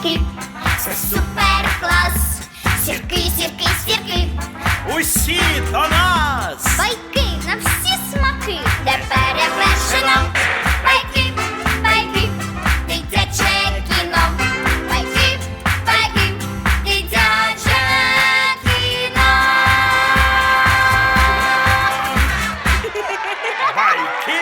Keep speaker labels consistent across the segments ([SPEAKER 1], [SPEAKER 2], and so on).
[SPEAKER 1] сірки, це супер клас. Сірки, сірки, сірки,
[SPEAKER 2] Усі до нас!
[SPEAKER 1] байки на всі смаки, де перевершено. Байки, байки, дитяче кіно. Байки, байки, дитяче кіно.
[SPEAKER 2] Байки!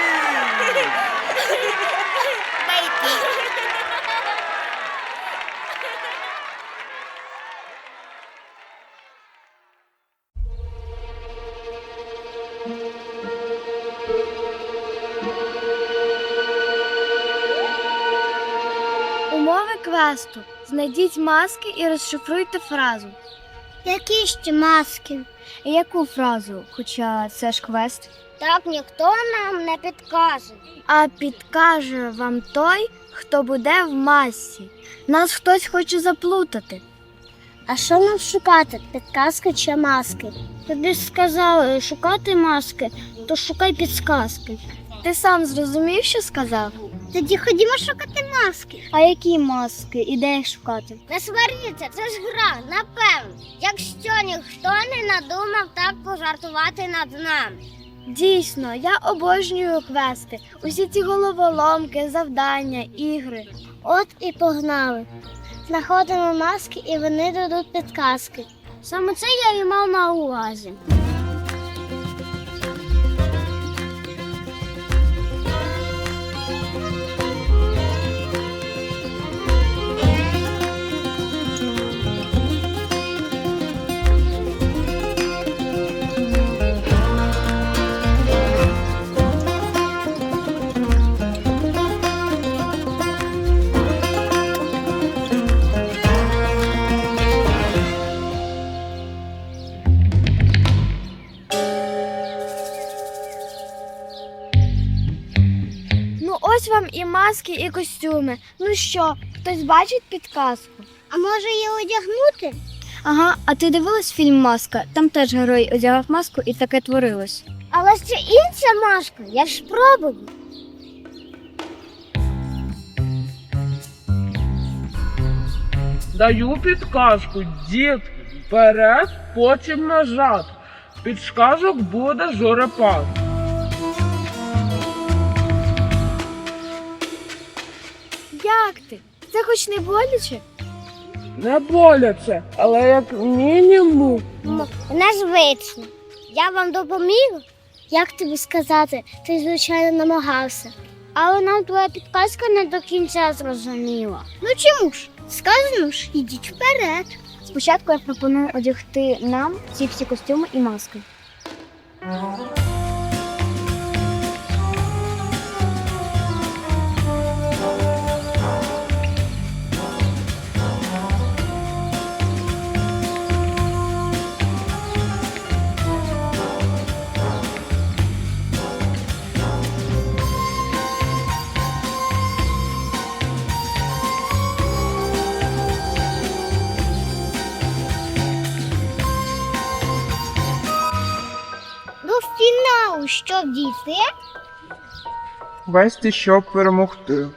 [SPEAKER 3] Умови квесту. Знайдіть маски і розшифруйте фразу.
[SPEAKER 1] Які ще маски?
[SPEAKER 3] Яку фразу? Хоча це ж квест.
[SPEAKER 1] Так ніхто нам не підкаже.
[SPEAKER 3] А підкаже вам той, хто буде в масці. Нас хтось хоче заплутати.
[SPEAKER 1] А що нам шукати? Підказки чи маски?
[SPEAKER 3] Тобі ж сказали шукати маски, то шукай підсказки. Ти сам зрозумів, що сказав?
[SPEAKER 1] Тоді ходімо шукати маски.
[SPEAKER 3] А які маски? І де їх шукати?
[SPEAKER 1] Не сваріться, це ж гра, напевно. Якщо ніхто не надумав так пожартувати над нами.
[SPEAKER 3] Дійсно, я обожнюю квести. Усі ці головоломки, завдання, ігри.
[SPEAKER 1] От і погнали. Знаходимо маски і вони дадуть підказки.
[SPEAKER 3] Саме це я і мав на увазі. Ну ось вам і маски, і костюми. Ну що, хтось бачить підказку?
[SPEAKER 1] А може її одягнути?
[SPEAKER 3] Ага, а ти дивилась фільм «Маска»? Там теж герой одягав маску і таке творилось.
[SPEAKER 1] Але це інша маска, я ж спробую.
[SPEAKER 4] Даю підказку, дітки, вперед, потім назад. Підказок буде зорепад.
[SPEAKER 3] Як ти? Це хоч не боляче?
[SPEAKER 4] Не боляче, але як мінімум.
[SPEAKER 1] Незвично. Я вам допоміг? Як тобі сказати? Ти, звичайно, намагався. Але нам твоя підказка не до кінця зрозуміла. Ну чому ж? Сказано ж, ідіть вперед.
[SPEAKER 3] Спочатку я пропоную одягти нам ці всі костюми і маски.
[SPEAKER 1] До фіналу що дійти?
[SPEAKER 4] Вести, щоб перемогти.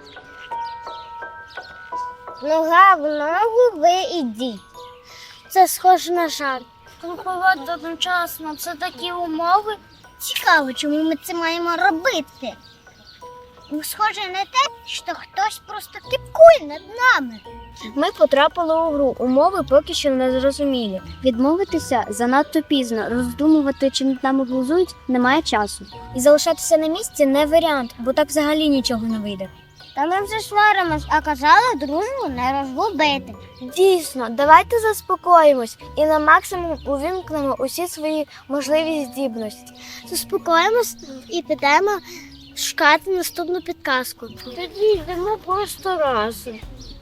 [SPEAKER 1] Нога в ногу ви ідіть. Це схоже на жарт.
[SPEAKER 3] Круговод одночасно, це такі умови.
[SPEAKER 1] Цікаво, чому ми це маємо робити. Схоже на те, що хтось просто кипкує над нами.
[SPEAKER 3] Ми потрапили у гру, умови поки що не зрозумілі. Відмовитися занадто пізно, роздумувати, чи над нами глузують, немає часу. І залишатися на місці не варіант, бо так взагалі нічого не вийде.
[SPEAKER 1] Та ми вже сваримось, а казали дружбу не розгубити.
[SPEAKER 3] Дійсно, давайте заспокоїмось і на максимум увімкнемо усі свої можливі здібності.
[SPEAKER 1] Заспокоїмось і підемо шукати наступну підказку.
[SPEAKER 3] Тоді йдемо просто разом,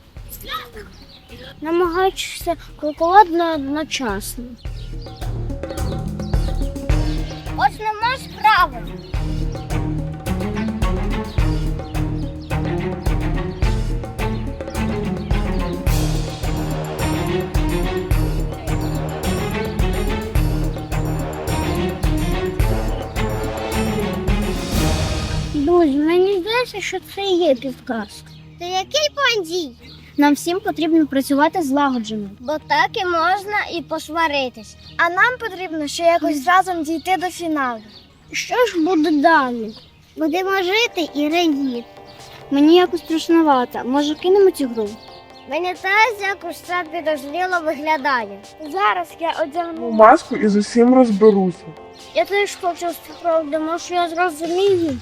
[SPEAKER 3] намагаючися крокувати одночасно.
[SPEAKER 1] Ось нема справи.
[SPEAKER 3] Друзі, мені здається, що це і є підказка.
[SPEAKER 1] Та який план дій?
[SPEAKER 3] Нам всім потрібно працювати злагоджено.
[SPEAKER 1] Бо так і можна і посваритись.
[SPEAKER 3] А нам потрібно ще якось разом дійти до фіналу.
[SPEAKER 1] Що ж буде далі? Будемо жити і радіти.
[SPEAKER 3] Мені якось страшновато. Може, кинемо цю гру?
[SPEAKER 1] Мені теж якось це підозріло виглядає.
[SPEAKER 3] Зараз я одягну.
[SPEAKER 4] Маску і з усім розберуся.
[SPEAKER 1] Я теж хочу спробувати, може я зрозумію.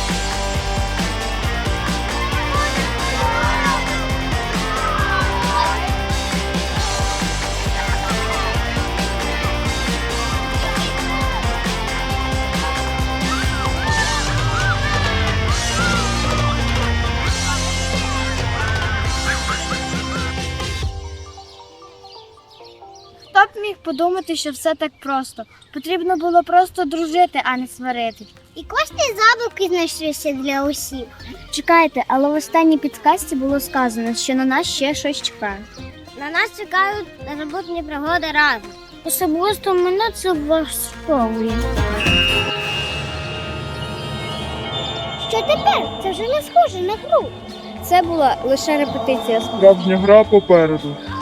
[SPEAKER 3] Хто б міг подумати, що все так просто? Потрібно було просто дружити, а не сварити.
[SPEAKER 1] І кошти забавки знайшлися для усіх.
[SPEAKER 3] Чекайте, але в останній підказці було сказано, що на нас ще щось чекає.
[SPEAKER 1] На нас чекають незабутні пригоди разом. Особисто мене це влаштовує. Що тепер? Це вже не схоже на гру.
[SPEAKER 3] Це була лише репетиція.
[SPEAKER 4] Справжня гра попереду.